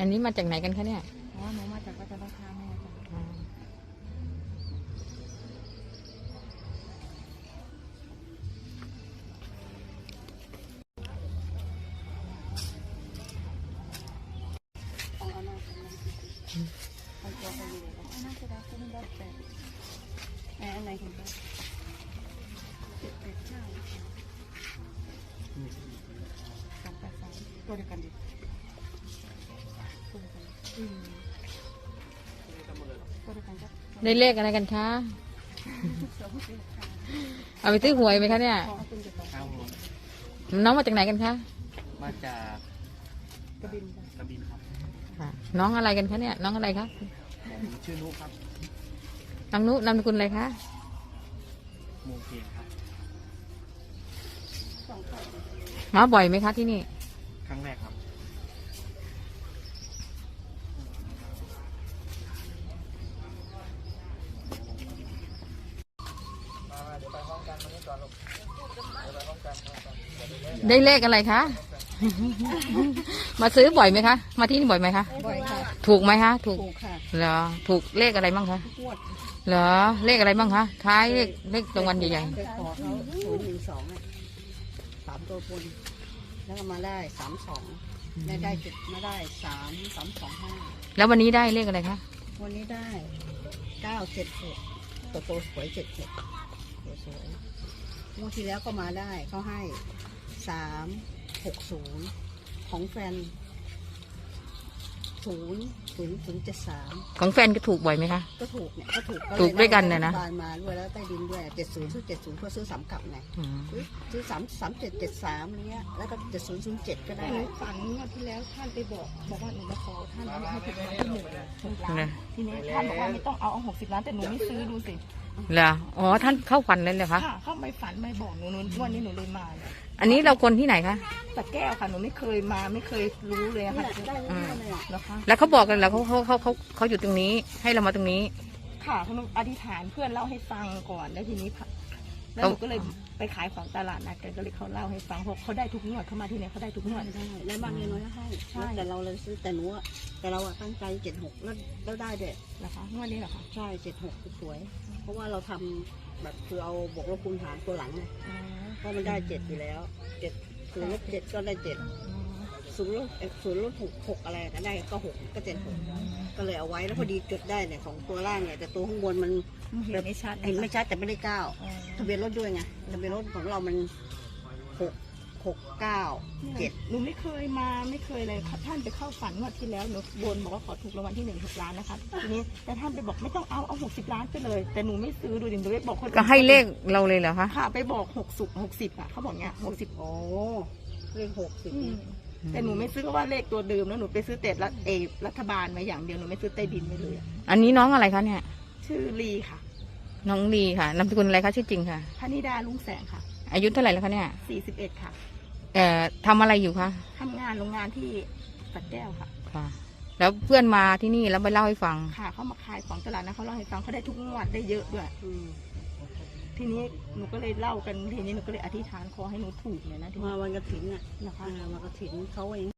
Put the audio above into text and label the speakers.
Speaker 1: อันนี้มาจากไหนกันคะเนี่ย
Speaker 2: อ๋อหนูมาจากวัดราคาแม่จ้ะอันไหนถึงจะ789 283ตัวเดียวกันดิตัวเดียวกันตัวเดียวกันจ้ะ
Speaker 1: ได้เลขอะไรกันคะ เอาไปซื้อหวยไหมคะเนี่ยน้องมาจากไหนกันคะ
Speaker 3: มาจาก
Speaker 2: กระบิน
Speaker 3: ครับ
Speaker 1: น้องอะไรกันคะเนี่ยน้องอะไรคะ
Speaker 3: ชื่อนุครับ
Speaker 1: น้องนุนามสกุลอะไรคะ
Speaker 3: โมเกนครับ
Speaker 1: มาบ่อยไหมคะที่นี่
Speaker 3: ครั้งแรกครับ
Speaker 1: ได้เลขอะไรคะ มาซื้อบ่อยไหมคะมาที่นี่บ่อยไหมคะ
Speaker 2: บ่อยค่ะ
Speaker 1: ถูกไหมคะถูก
Speaker 2: ค่ะ
Speaker 1: เหรอถูกเลขอะไรบ้างคะ
Speaker 2: งวด
Speaker 1: เหรอเลขอะไรบ้างคะท้ายเลขรางวัลใหญ่
Speaker 2: ๆไปขอเขา012อ่ะ3ตัวบนแล้วก็มาได้32ได้จุดมาได้3325
Speaker 1: แล้ววันนี้ได้เลขอะไรคะ
Speaker 2: วันนี้ได้976ตัวสวย76ตัวสวยงวดที่แล้วก็มาได้เขาให้360ของแฟน00073
Speaker 1: ของแฟนก็ถูกบ่อยไหมคะ
Speaker 2: ก็ถูกเนี่ยก็ถูก
Speaker 1: ด้วยกันเนี่ยนะ
Speaker 2: บานมาด้วยแล้วใต้ดินด้วย70 เพื่อซื้อ3 กลับไงซื้อ3773อะไรเงี้ยแล้วก็7007ก็ได้ฝันงวดที่แล้วท่านไปบอกว่าหนูมาขอท่านให้ถูกรางวัลที่1 ล้านทีนี้ท่านบอกว่าไม่ต้องเอา60 ล้านแต่หนูไม่ซื้อดูสิ
Speaker 1: เหรออ๋อท่านเข้าฝันเลยเหรอคะ
Speaker 2: เข้าไม่ฝันไม่บอกหนูวันนี้หนูเลยมา
Speaker 1: อันนี้เราคนที่ไหนคะ
Speaker 2: สระแก้วค่ะหนูไม่เคยมาไม่เคยรู้เลยค่ะ
Speaker 1: แล้วเขาบอกกันแล้วเขาอยู่ตรงนี้ให้เรามาตรงนี้
Speaker 2: ค่ะเขาอธิษฐานเพื่อนเล่าให้ฟังก่อนแล้วทีนี้แล้วหนูก็เลยไปขายของตลาดนัดกันก็เลยเขาเล่าให้ฟังเพราะเขาได้ทุกงวดเขามาที่นี่เขาได้ทุกงวดได้แล้วบางเงินน้อยให้ใช่แต่เราเลยซื้อแต่หนูแต่เราตั้งใจ76แล้วได้เด็ดนะคะงวดนี้เหรอคะใช่76สวยเพราะว่าเราทำแบบคือเอาบวกลบคูณหารตัวหลังไงเพราะมันได้7อยู่แล้ว7คือลบ7ก็ได้70 ลบ 6อะไรก็ได้ก็6ก็76ก็เลยเอาไว้แล้วพอดีจุดได้เนี่ยของตัวล่างเนี่ยแต่ตัวข้างบนมันเห็นไม่ชัดแต่ไม่ได้9ทะเบียนรถด้วยไงทะเบียนรถของเรามัน6 9 7หนูไม่เคยมาไม่เคยเลยท่านไปเข้าฝันงวดที่แล้วหนูบนบอกว่าขอถูกรางวัลที่1 6 ล้านนะคะทีนี้แต่ท่านไปบอกไม่ต้องเอา60 ล้านไปเลยแต่หนูไม่ซื้อดูดิหนูไปบอกคน
Speaker 1: ก็ให้เลขเราเลยเหรอคะ
Speaker 2: ค่ะไปบอก60อ่ะเขาบอกเงี้ย60โอ้เลข60แต่หนูไม่ซื้อเพราะว่าเลขตัวเดิมแล้วหนูไปซื้อแต่รัฐบาลมาอย่างเดียวหนูไม่ซื้อใต้ดินไปเลย
Speaker 1: อันนี้น้องอะไรคะเนี่ย
Speaker 2: ชื่อลีค่ะ
Speaker 1: น้องลีค่ะนามสกุลอะไรคะชื่อจริงค่ะ
Speaker 2: พนิดาลุงแสงค่ะ
Speaker 1: อายุเท่าไหร่แล้วคะเนี่ย
Speaker 2: 41ค่ะ
Speaker 1: ทำอะไรอยู่คะ
Speaker 2: ทำงานโรงงานที่สระแก้วค่ะ
Speaker 1: ค่ะแล้วเพื่อนมาที่นี่แล้วไปเล่าให้ฟัง
Speaker 2: ค่ะเขามาขายของตลาดนะเขาเล่าให้ฟังเขาได้ทุกงวดได้เยอะด้วยทีนี้หนูก็เลยเล่ากันทีนี้หนูก็เลยอธิษฐานขอให้หนูถูกเลยนะมาวันกฐินน่ะนะคะมากฐินเขาเอง